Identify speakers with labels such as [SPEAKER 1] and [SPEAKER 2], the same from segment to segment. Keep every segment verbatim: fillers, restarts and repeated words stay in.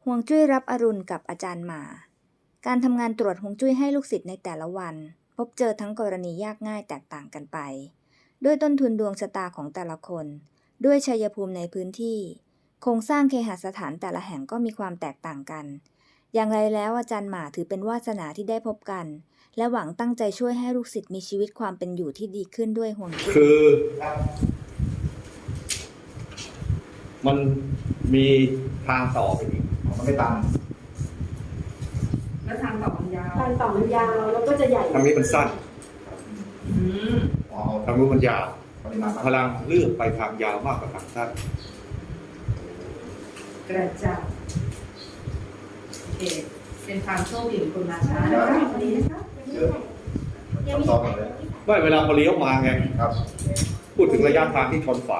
[SPEAKER 1] ฮวงจุ้ยรับอรุณกับอาจารย์หมาการทำงานตรวจฮวงจุ้ยให้ลูกศิษย์ในแต่ละวันพบเจอทั้งกรณียากง่ายแตกต่างกันไปด้วยต้นทุนดวงชะตาของแต่ละคนด้วยชัยภูมิในพื้นที่โครงสร้างเคหสถานแต่ละแห่งก็มีความแตกต่างกันอย่างไรแล้วอาจารย์หมาถือเป็นวาสนาที่ได้พบกันและหวังตั้งใจช่วยให้ลูกศิษย์มีชีวิตความเป็นอยู่ที่ดีขึ้นด้วยฮวงจุ้ย
[SPEAKER 2] คือมันมีทางต่อไปอีกมันไม่ตัน
[SPEAKER 3] แล้วทางต่อมันยาว
[SPEAKER 4] ทางต่อมันยาวแล้วก็จะใหญ่
[SPEAKER 2] ทางนี้มันสั้นทางนู้นมันยาวพลังเลือกไปทางยาวมากกว่าทางสั้น
[SPEAKER 3] กระจายโอเคเป็นความโชคดีของคนมาช้านะคะวันนี้นะคะ
[SPEAKER 2] เยอะซ้อมเลยไม่เวลาพอเลี้ยวมาไงครับพูดถึงระยะทางที่ชนฝา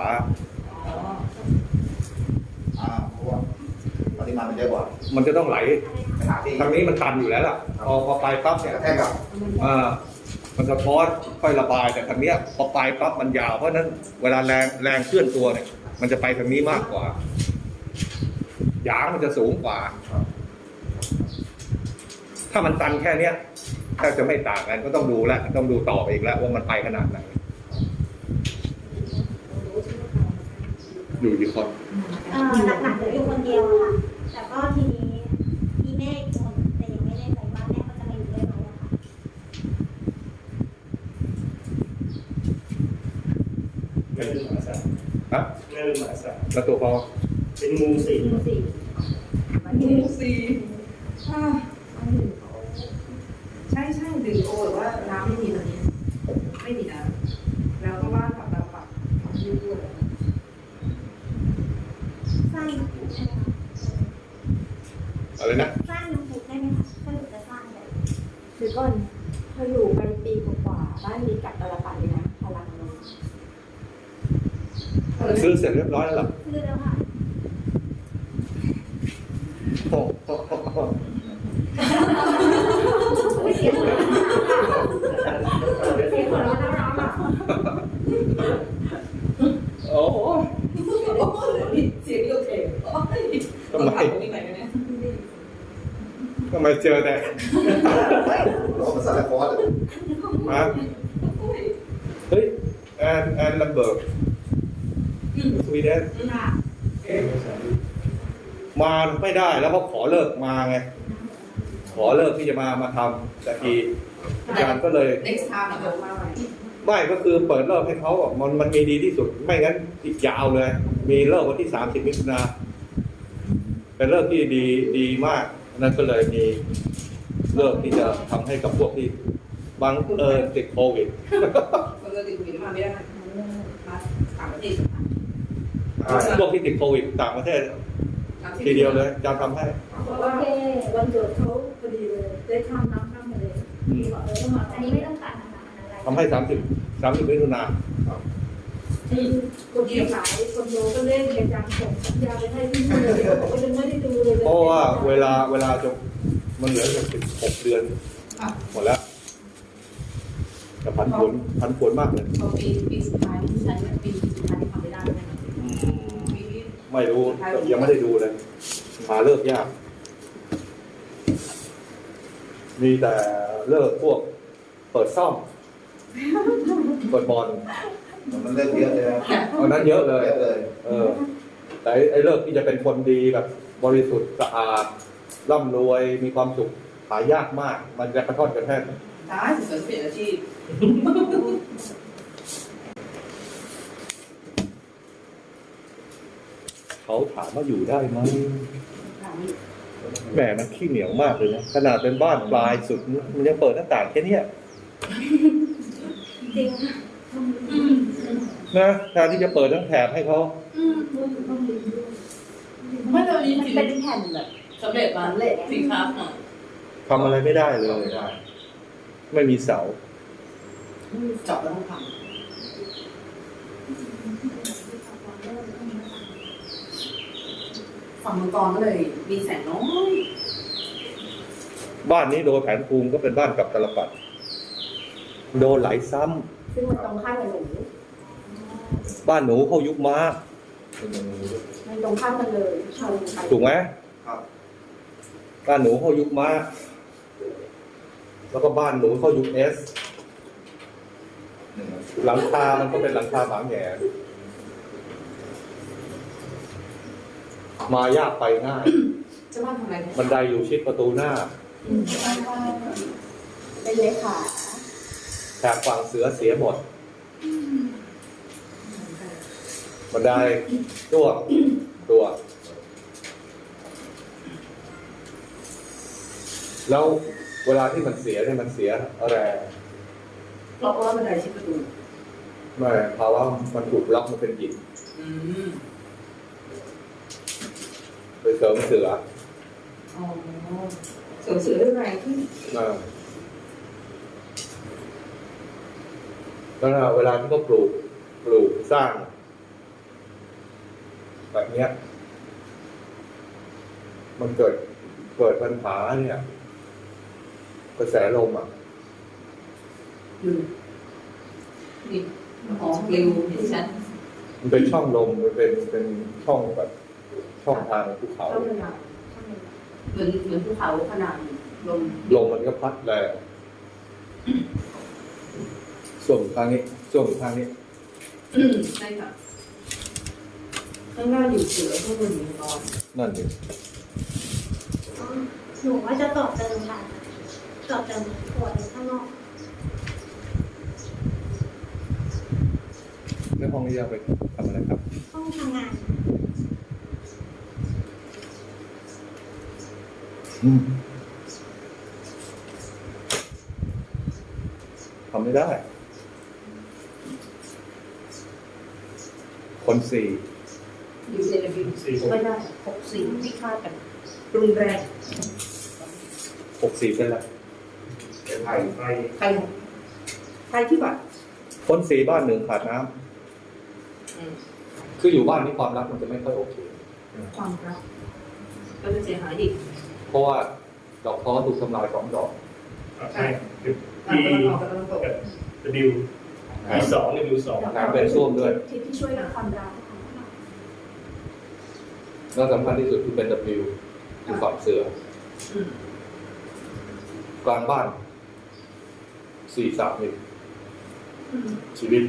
[SPEAKER 2] อ่าเพราะว่าปริมาณมันเยอะกว่ามันจะต้องไหลทางนี้มันตันอยู่แล้วล่ะพอพอไปปั๊บเนี่ยแท่กับอ่ามันสะท้อนค่อยระบายแต่ทางเนี้ยพอไปปั๊บมันยาวเพราะนั้นเวลาแรงแรงเคลื่อนตัวเนี่ยมันจะไปทางนี้มากกว่าหยางมันจะสูงกว่าถ้ามันตันแค่เนี้ยแทบจะไม่ต่างกันก็ต้องดูแล้วต้องดูต่อไปอีกแล้วว่ามันไปขนาดไหนอยู่กี่คน
[SPEAKER 4] หลักๆจะอยู่คนเดียวค่ะแต่ก็ทีนี้มีแม่อีกคนแต่ยังไม่แน่ใจว่าแม่เขาจะมาอยู่ด้วยไหมอะค่ะ
[SPEAKER 5] แม่ลืมหมาสัตว์
[SPEAKER 2] ครับ
[SPEAKER 5] แม่ลืมหมาสัตว์
[SPEAKER 2] แล้วตัวพอ
[SPEAKER 5] เป็นงูสิง
[SPEAKER 4] งูสิง
[SPEAKER 3] งูสีใช่ใช่ดื่มโอหรือว่าน้ำไม่มีตอนนี้ไม่มีน้ำแล้วก็บ้านกับเราปรับทำยืดด้วย
[SPEAKER 4] สร้างน้ำพุได้ไหมคะ
[SPEAKER 2] อะไรนะ
[SPEAKER 4] สร้างน้ำพุได้ไหมคะถ้าหนูจะสร้างเลยหรือก่อนเธออยู่ไปปีกว่าบ้านมีกับตลปัดเลยนะพลังลง
[SPEAKER 2] ซื้อเสร็จเรียบร้อยแล้วหรอ
[SPEAKER 4] ซื้อแล้วค่ะ
[SPEAKER 2] โอ้โห
[SPEAKER 4] เสียงหัวเราะเสียงหัวเราะน่ารักอ่ะ
[SPEAKER 2] โอ้โห
[SPEAKER 3] เสียงโอเค
[SPEAKER 2] ทำไมทำไมเจอแต่
[SPEAKER 5] ร้องภาษาละคร
[SPEAKER 2] มาเฮ้ยแอนแอนลัมเบิร์กสวีเดนมาไม่ได้แล้วเขาขอเลิกมาไงขอเลิกที่จะมามาทำแต่ทีอาจารย์ก็เลย
[SPEAKER 3] next time เดี๋ยวมาใหม่
[SPEAKER 2] ไม่ก็คือเปิดเลิกให้เขาบอกมันมันมีดีที่สุดไม่งั้นอีกยาวเลยมีเลิกวันที่สามสิบมิถุนาเป็นเลิกที่ดีดีมากนั่นก็เลยมีเลิกที่จะทำให้กับพวกที่บางเออติดโควิด
[SPEAKER 3] บางเออติดโควิดมาไม่ได้มาต่างประเทศ
[SPEAKER 2] พวกที่ติดโควิดต่างประเทศทีเดียวเลยจะทำให้
[SPEAKER 4] โอเควันเกิดเขาพอดีเลยได้ข้ามน้ำข้ามทะเลบอกเออต้องมาอันนี้ไม่ต้องตัดนะคะ
[SPEAKER 2] ทำให้สามสิบสามสิบมิถุนา
[SPEAKER 4] คนที่ขายคนโยก็เล่นเกมจังส่งสัญญาไปให้ที่นู่นเลยบอกว่ายังไม่ได้ดูเลย
[SPEAKER 2] เพราะว่าเวลาเวลาจะมันเหลือจะสิบหกเดือนหมดแล้วแต่พันผลพันผลมากเลย
[SPEAKER 3] ปีปีสุดท้ายที่ใช้ปีสุดท้ายที่ทำไม่ได้ไหม
[SPEAKER 2] ไม่รู้ยังไม่ได้ดูเลยหาเลิกยากมีแต่เลิกพวกเปิดซ่อมเปิดบอล
[SPEAKER 5] มันเลิกเยอะเลยนะ
[SPEAKER 2] อันนั้นเยอะเลยเออแต่ไอ้เลิกที่จะเป็นคนดีแบบบริสุทธิ์สะอาดร่ำรวยมีความสุขหายากมากมันจะกระท่อนกระแท่น
[SPEAKER 3] ใช่สุดเปลี่ยนอาชีพ
[SPEAKER 2] เขาถามว่าอยู่ได้ไหมแหมมันขี้เหนียวมากเลยนะขนาดเป็นบ้านปลายสุดมันยังเปิดหน้าต่างแค่นี้
[SPEAKER 4] จริง
[SPEAKER 2] นะแทนที่จะเปิดทั้งแถบให้เขา
[SPEAKER 3] ไม่เรามี
[SPEAKER 4] เป็นแผ่นแบบ
[SPEAKER 3] สำเร็จมาเละสิครับ
[SPEAKER 2] ทำอะไรไม่ได้เลยไม่มีเสา
[SPEAKER 3] จบแล้วต้องทำฝั่งมังกรก็เลยมีแสงน้อย
[SPEAKER 2] บ้านนี้โดยแผนภูมิก็เป็นบ้านกับตลปัดโดนไหลซ้
[SPEAKER 4] ำซึ่งมันตรงข้ามกับหนู
[SPEAKER 2] บ้านหนูเขายุบม้า
[SPEAKER 4] มันตรงข้ามกันเลยชนกัน
[SPEAKER 2] ถูกไหม
[SPEAKER 5] ครับ
[SPEAKER 2] บ้านหนูเข้ายุคม้าแล้วก็บ้านหนูเข้ายุคเอสหลังคามันก็เป็นหลังคาบางแง่มายากไปง่าย
[SPEAKER 3] เจ้าบ้านทำอะไรเนี่ย
[SPEAKER 2] บันไดอยู่ชิดประตูหน้า
[SPEAKER 3] อืม
[SPEAKER 4] เป็นเลขา
[SPEAKER 2] แถบฝั่งเสือเสียหมดบันไดตัวตัว แล้วเวลาที่มันเสียเนี่ยมันเสียแรง
[SPEAKER 3] เพราะว่าบันไดชิดประตู
[SPEAKER 2] ไม่เพราะว่ามันถูกล็อกมันเป็นหิน
[SPEAKER 3] อืม
[SPEAKER 2] ไปเสริมเสือ
[SPEAKER 3] อ๋อเสือเสือด้วยแรงขึ้น
[SPEAKER 2] เออแล้วเวลาที่เขาปลูกปลูกสร้าง แบบเนี้ย มันเกิดเกิดปัญหาเนี่ยกระแสลมอ่ะ
[SPEAKER 3] อืมนี่อ๋อเร็วเห็นชัด
[SPEAKER 2] มันเป็นช่องลมมันเป็นเป็นช่องแบบช่องทางภูเขา
[SPEAKER 3] เข้าเวลาเหมือนเหมือนภูเขาขนาดลม
[SPEAKER 2] ลมมันก็พัดแรงส่วนทางนี้ส่วนทางนี้
[SPEAKER 3] อืมใช่ค่ะข้างหน้าอยู่เสือข้างบนอยู่นอน
[SPEAKER 2] นั่นเอง
[SPEAKER 4] หนูว่าจะต่อเติมค่ะต่อเติมขวดข้างนอก
[SPEAKER 2] ในห้องนี้จะไปทำอะไรครับ
[SPEAKER 4] ห้องทำงาน
[SPEAKER 2] อืมทำไม่ได้ คนสี่
[SPEAKER 3] อยู่ในระเบียบไม่ได้หกสี่ที่คาดกันรุนแรง
[SPEAKER 2] หกสี่เป็นไร
[SPEAKER 5] เป็นไทยไทย
[SPEAKER 3] ใครใครที่บัตร
[SPEAKER 2] คนสี่บ้านหนึ่งขาดน้ำ
[SPEAKER 3] อืม
[SPEAKER 2] คืออยู่บ้านนี้ความรักมันจะไม่ค่อยโอเค
[SPEAKER 3] ความรักก็จะเสียหายอีก
[SPEAKER 2] เพราะว่าดอกท้อถูกทำลายสองดอก
[SPEAKER 5] ใช่คือ
[SPEAKER 3] ตะ
[SPEAKER 5] ที่
[SPEAKER 3] วันออกกับตะวันตก
[SPEAKER 5] ดิวมีสองดิวสอง
[SPEAKER 2] น้ำเป็นส้วมด้วย
[SPEAKER 4] ที่ที่ช่วยกับความรักค่ะ
[SPEAKER 2] แล้วสำคัญที่สุดคือเป็น W คือฝั่งเสือ
[SPEAKER 3] อืม
[SPEAKER 2] กลางบ้านสี่สามหนึ่ง
[SPEAKER 3] อืม
[SPEAKER 2] ชีวิต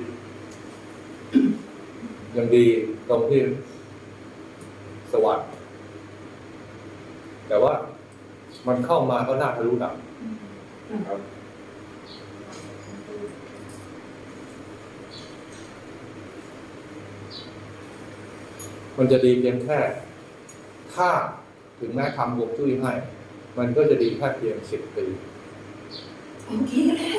[SPEAKER 2] ยังดีตรงที่สวัสดิ์แต่ว่ามันเข้ามาก็น่าทะลุหนักครับ มันจะดีเพียงแค่ ถ้าถึงแม้ทำฮวงจุ้ยให้ มันก็จะดีแค่เพียงสิบปี
[SPEAKER 3] โอเคแล้ว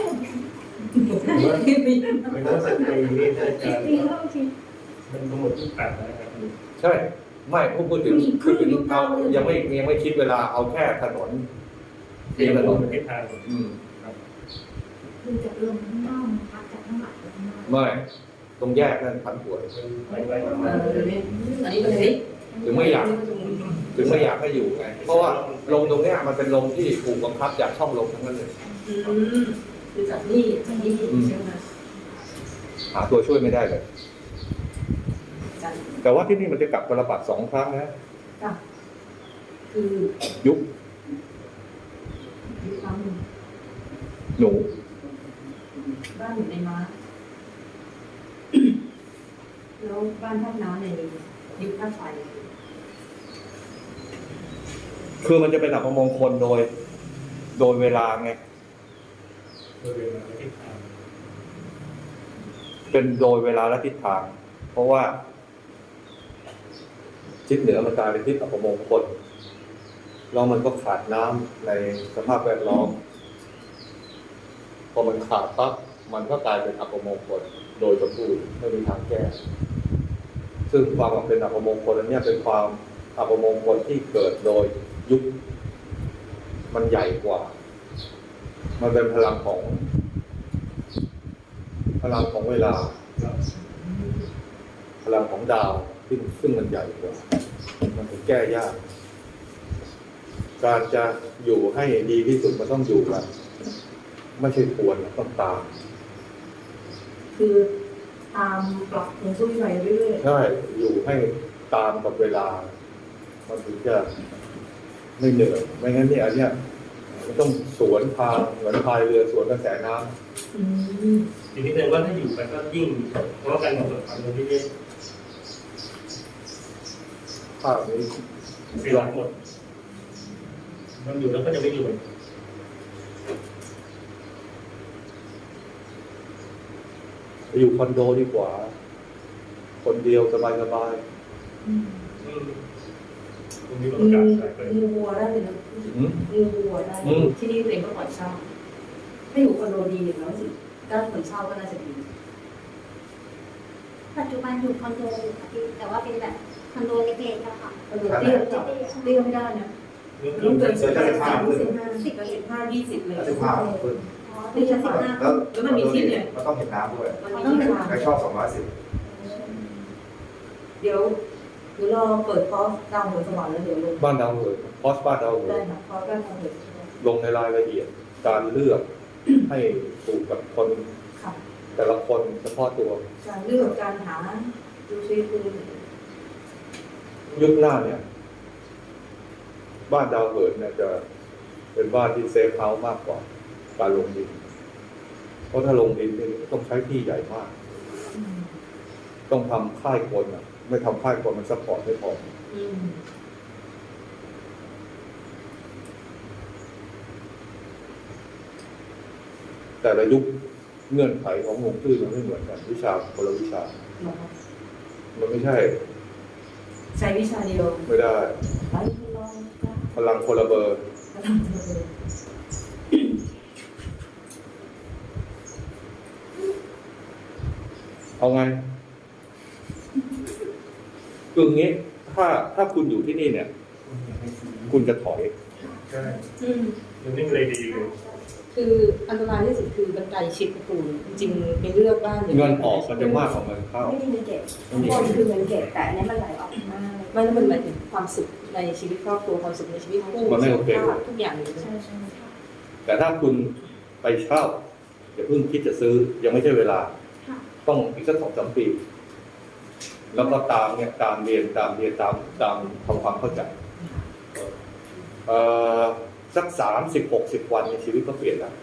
[SPEAKER 5] ไม่ต้องสักปีนี่จะ
[SPEAKER 4] ปีแล้วโอเค
[SPEAKER 5] มันทั้งหมดที่แปดนะครับ
[SPEAKER 2] ใช่ ไม่พูดพูดถึงคือถึงเอายังไม่ยังไม่คิดเวลาเอาแค่ถนน
[SPEAKER 5] เพียงถนนประเทศไทย
[SPEAKER 2] อืม
[SPEAKER 4] คือจากลมข้างนอกมันพัดจากข้างหลังไปข้างนอก
[SPEAKER 2] ไม่ตรงแยกนั่นผันผวน
[SPEAKER 5] ไปไปมา
[SPEAKER 3] เออเดี๋ยวนี้อันนี้เป็นนี้
[SPEAKER 2] ถึงไม่อยาก ถึงไม่อยากให้อยู่ไง เพราะว่าลมตรงเนี้ยมันเป็นลมที่ถูกบังคับจากช่องลมทั้งนั้นเลย
[SPEAKER 3] อืมคือจากนี่จากนี่ใช่ไหม
[SPEAKER 2] หาตัวช่วยไม่ได้เลย
[SPEAKER 3] จาก
[SPEAKER 2] แต่ว่าที่นี่มันจะกลับกระบาดสองครั้งนะ
[SPEAKER 3] จากคือ
[SPEAKER 2] ยุบ
[SPEAKER 3] ยุคครั้งหนึ่ง
[SPEAKER 2] หนู
[SPEAKER 3] บ้านอยู่ในม้าแล้วบ้านท่าน้ำในยุคท่าไฟ
[SPEAKER 2] คือมันจะเป็นอัปมงคลโดย โดยเวลาไง
[SPEAKER 5] โดยเป็นประเทศไทย
[SPEAKER 2] เป็นโดยเวลาและทิศทาง เพราะว่าทิศเหนือมันกลายเป็นทิศอัปมงคลแล้วมันก็ขาดน้ำในสภาพแวดล้อม พอมันขาดปั๊บมันก็กลายเป็นอัปมงคลโดยสมบูรณ์ไม่มีทางแก้ ซึ่งความเป็นอัปมงคลอันเนี้ยเป็นความอัปมงคลที่เกิดโดยยุคมันใหญ่กว่า มันเป็นพลังของ พลังของเวลา พลังของดาวซึ่งซึ่งมันใหญ่กว่า มันถึงแก้ยาก การจะอยู่ให้ดีที่สุดมันต้องอยู่กันไม่ใช่ควรต้องตาม
[SPEAKER 3] คือตามปรับของผู้ใหญ่เรื่อย
[SPEAKER 2] ใช่อยู่ให้ตามกับเวลา มันถึงจะไม่เหนื่อยไม่งั้นเนี่ยอันเนี้ยมันต้องสวนทางเหมือนพายเรือสวนกระแสน้ำ
[SPEAKER 3] อืม
[SPEAKER 5] ทีนี้เลยว่าถ้าอยู่ไปก็ยิ่งเพราะว่าการกำหนดฝันมันที่เยอะ
[SPEAKER 2] ภาพนี้
[SPEAKER 5] เสียหมดมันอยู่แล้วก็จะไม่อยู่
[SPEAKER 2] อยู่คอนโดดีกว่า คนเดียวสบายสบาย
[SPEAKER 3] อืม
[SPEAKER 5] อืมตรงนี้เรา
[SPEAKER 3] มี
[SPEAKER 5] การใส่ไป
[SPEAKER 3] มีวัวได้เลยนะ
[SPEAKER 2] อืม
[SPEAKER 3] มีวัวได้
[SPEAKER 2] อืม
[SPEAKER 3] ที่นี่ตัวเองก็ปล่อยเช่าถ้าอยู่คอนโดดีอย่างน้อยสิด้านคนเช่าก็น่าจะดี
[SPEAKER 4] ปัจจุบันอยู่คอนโดอยู่ค่ะพี่แต่ว่าเป็นแบบคอนโดเล็กๆอะค่ะ
[SPEAKER 3] คอนโดเตี้ยเตี้ยเตี้ยไม่ได้นะ
[SPEAKER 5] เรื่อง
[SPEAKER 3] ต้อง
[SPEAKER 5] เกิ
[SPEAKER 3] เกิ
[SPEAKER 5] น
[SPEAKER 3] น
[SPEAKER 5] เกิ
[SPEAKER 3] สิ
[SPEAKER 5] น
[SPEAKER 3] บ
[SPEAKER 5] จะ
[SPEAKER 3] ห้า
[SPEAKER 5] เป็น
[SPEAKER 3] สิบห้าสิบห้าสิบห้าสิบห้ายี่สิบเลย
[SPEAKER 6] สิบห้าขึ้น
[SPEAKER 4] อ๋อนี่จะสิบห้า
[SPEAKER 6] แล้ว
[SPEAKER 3] แล้วมันมีที่เนี่ย
[SPEAKER 6] มันต้องเห็นน้ำด้วย
[SPEAKER 3] มันมีที่ทาง
[SPEAKER 6] ใครชอบสองร้อยสิบ
[SPEAKER 3] เดี๋ยวเดี๋ยวรอเปิดคอร์สดาวหัวสวรรค์แล้วเดี๋ยวลง
[SPEAKER 2] บ้านดาวเหินคอสบ้านดาวเหิ
[SPEAKER 3] ได้
[SPEAKER 2] น
[SPEAKER 3] ค่ะคอร์สดาวหัวสวรรค์
[SPEAKER 2] ลงในรายละเอียด การเลือก ให้ถูกกับคน
[SPEAKER 3] ค่ะ
[SPEAKER 2] แต่ละคนเฉพาะตัว
[SPEAKER 3] การเลือกการหาดูซิคือ
[SPEAKER 2] ยุคหน้าเนี่ย บ้านดาวเหินเนี่ยจะเป็นบ้านที่เซฟเฮาส์มากกว่าการลงดิน เพราะถ้าลงดินเนี่ยต้องใช้ที่ใหญ่มาก
[SPEAKER 3] อืม
[SPEAKER 2] ต้องทำค่ายคนอ่ะ ไม่ทำค่ายคนมันซัพพอร์ตไม่พอ
[SPEAKER 3] อืม
[SPEAKER 2] แต่ละยุคเงื่อนไขของฮวงจุ้ยมันไม่เหมือนกันวิชาคนละวิชา
[SPEAKER 3] เหรอคะ
[SPEAKER 2] มันไม่ใช่
[SPEAKER 3] ใช้วิชาเดียว
[SPEAKER 2] ไม่ได้
[SPEAKER 3] ไปลองกัน
[SPEAKER 2] พลังคนละเบอร์
[SPEAKER 3] มาทำเลย
[SPEAKER 2] เอาไงคืออย่างนี้ถ้าถ้าคุณอยู่ที่นี่เนี่ย คุณจะถอย
[SPEAKER 5] ใช่
[SPEAKER 3] อืม
[SPEAKER 5] มันนิ่งเลยดีเลย
[SPEAKER 3] คืออันตรายที่สุดคือบันไดชิดประตูจริงๆไปเลือกบ้าน
[SPEAKER 2] เงินออกมันจะมากกว่าเงินเข้า
[SPEAKER 3] ไม่มีเงินเก็บ
[SPEAKER 2] ไม่มี
[SPEAKER 3] ข้างบนคือเงินเก็บแต่อันนี้มันไหลออกมาไม่แล้วมันหมายถึงความสุขในชีวิตครอบครัวความสุขในชีวิตคู่
[SPEAKER 2] มันไม่โอเค
[SPEAKER 3] สุขภาพทุกอย่างเลยใช่ใช่
[SPEAKER 2] แต่ถ้าคุณไปเช่าอย่าเพิ่งคิดจะซื้อ ยังไม่ใช่เวลา
[SPEAKER 4] ค่ะ
[SPEAKER 2] ต้องอีกสักสองสามปี แล้วก็ตามเนี่ยตามเรียนตามเรียนตามตามทำความเข้าใจเอ่อสักสามสิบหกสิบวันในชีวิตก็เปลี่ยนแล้ว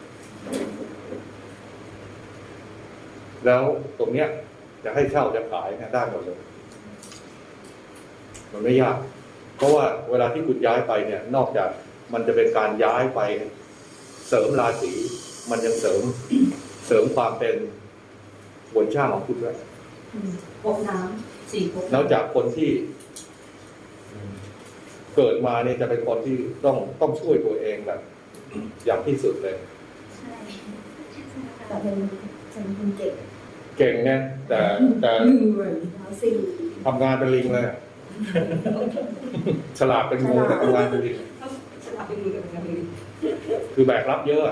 [SPEAKER 2] แล้วตรงเนี้ยจะให้เช่าจะขายเนี่ยได้หมดเลย มันไม่ยาก เพราะว่าเวลาที่คุณย้ายไปเนี่ย นอกจากมันจะเป็นการย้ายไปเสริมราศีมันยังเสริมเสริมความเป็นบนช่างของคุณด้วย
[SPEAKER 3] อืมพกน้ำสี่พก
[SPEAKER 2] แล้วจากคนที่เกิดมาเนี่ยจะเป็นคนที่ต้องต้องช่วยตัวเองแบบ อย่างที่สุดเลย
[SPEAKER 4] ใช่
[SPEAKER 3] แต่เป็นเป็นคนเก็บ
[SPEAKER 2] เก่งเนี่ยแต่แต่
[SPEAKER 3] เหนื่อย
[SPEAKER 4] แล้วสี่
[SPEAKER 2] ทำงานเป็นลิงเลย ฉลาดเป็นงูแต่ทำงานเป็นลิง
[SPEAKER 3] ฉลาดไปดูกับกันเลย
[SPEAKER 2] คือแบกรับเยอะอะ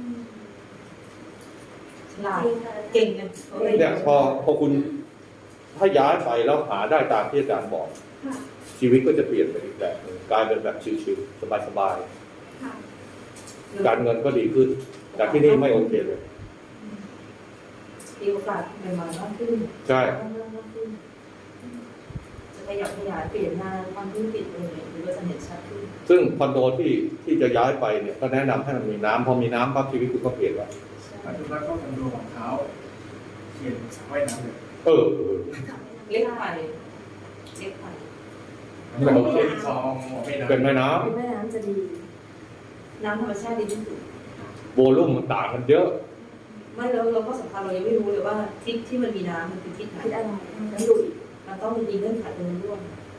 [SPEAKER 3] ฉลาดเก่งกันเขาเลย
[SPEAKER 2] เนี่ยพอพอคุณถ้าย้ายไปแล้วหาได้ตามที่อาจารย์บอก
[SPEAKER 4] ค่ะ
[SPEAKER 2] ชีวิตก็จะเปลี่ยนไปอีกแบบหนึ่งกลายเป็นแบบชิวๆสบาย
[SPEAKER 4] ค่ะ
[SPEAKER 2] ๆการเงินก็ดีขึ้น แต่ที่นี่ไม่โอเคเลย
[SPEAKER 3] มีโอกาสใหม่ๆมากขึ้น
[SPEAKER 2] ใช่
[SPEAKER 3] มากขึ้นจะขยับขยายเปลี่ยนงานความธุรกิจอะไรอย่างเงี้ยหรือว่าจะเห็นชัดขึ้น
[SPEAKER 2] ซึ่งคอนโดที่ที่จะย้ายไปเนี่ยก็แนะนำให้มันมีน้ำพอมีน้ำปั๊บชีวิตคุณก็เปลี่ยนแล้ว
[SPEAKER 5] ปัจจุบันก็คอนโดของเขาเขียนสระว่ายน้ำเลย
[SPEAKER 2] เออเออ
[SPEAKER 3] เล็กไปเล็กไป
[SPEAKER 2] มันโอเค
[SPEAKER 5] เป็นคลองไม่น้ำ
[SPEAKER 2] เป็นแม่น้
[SPEAKER 3] แม่น้ำจะดี น้ำธรรมชาติดีที่สุด
[SPEAKER 2] ำโวลุ่มมันต่างกันเยอะ
[SPEAKER 3] ไม่แล้วเราก็สำคัญเรายังไม่รู้เลยว่าทิศที่มันมีน้ำมันคือทิศไหน
[SPEAKER 4] คิดอะไร
[SPEAKER 3] มันดูอีกมันต้องมีเงื่อนไขตรงนี้ด้วย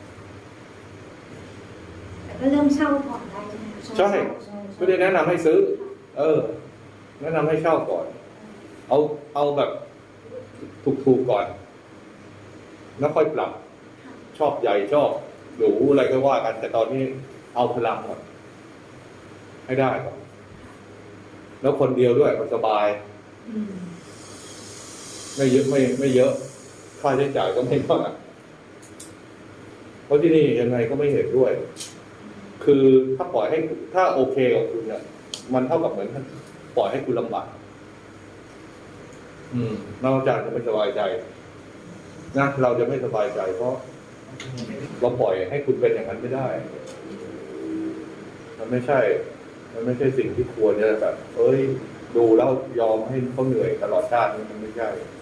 [SPEAKER 4] แต่ก็เริ่มเช่าก่อนได้ใช่ไหมคะ
[SPEAKER 2] ใช่ ไม่ได้แนะนำให้ซื้อ เออ แนะนำให้เช่าก่อน เอาเอาแบบถูกๆก่อน แล้วค่อยปรับ ชอบใหญ่ชอบหรูอะไรก็ว่ากัน แต่ตอนนี้เอาพลังก่อนให้ได้ก่อนแล้วคนเดียวด้วยมันสบาย
[SPEAKER 3] อืม
[SPEAKER 2] ไม่เยอะไม่ไม่เยอะ ค่าใช้จ่ายก็ไม่มากเพราะที่นี่ยังไงก็ไม่เห็นด้วย คือถ้าปล่อยให้ถ้าโอเคกับคุณเนี่ยมันเท่ากับเหมือนปล่อยให้คุณลำบากอืมนอกจากจะไม่สบายใจนะเราจะไม่สบายใจ เพราะเราปล่อยให้คุณเป็นอย่างนั้นไม่ได้มันไม่ใช่ มันไม่ใช่สิ่งที่ควรจะแบบ เอ้ย ดูแล้วยอมให้เขาเหนื่อยตลอดชาติมันไม่ใช่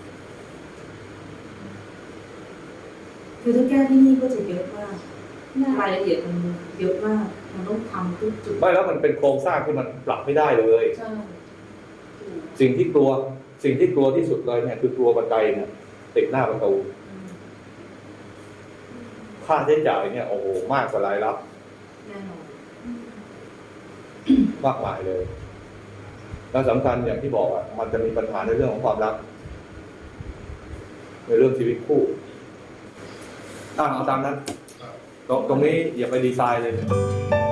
[SPEAKER 3] คือถ้าแก้ที่นี่ก็จะเยอะมากรายละเอียดมันเยอะมากมันต้องทำทุกจุด
[SPEAKER 2] ไม่แล้วมันเป็นโครงสร้างที่มันปรับไม่ได้เลย
[SPEAKER 3] ใช่
[SPEAKER 2] สิ่งที่กลัว สิ่งที่กลัวที่สุดเลยเนี่ยคือกลัวบันไดเนี่ยติดหน้าประตู ค่าใช้จ่ายเนี่ยโอ้โหมากกว่ารายรับ
[SPEAKER 3] แน่นอน
[SPEAKER 2] มากมายเลย แล้วสำคัญอย่างที่บอกอ่ะมันจะมีปัญหาในเรื่องของความรัก ในเรื่องชีวิตคู่อ่ะเอาตามนั้น ตรงตรงนี้อย่าไปดีไซน์เลย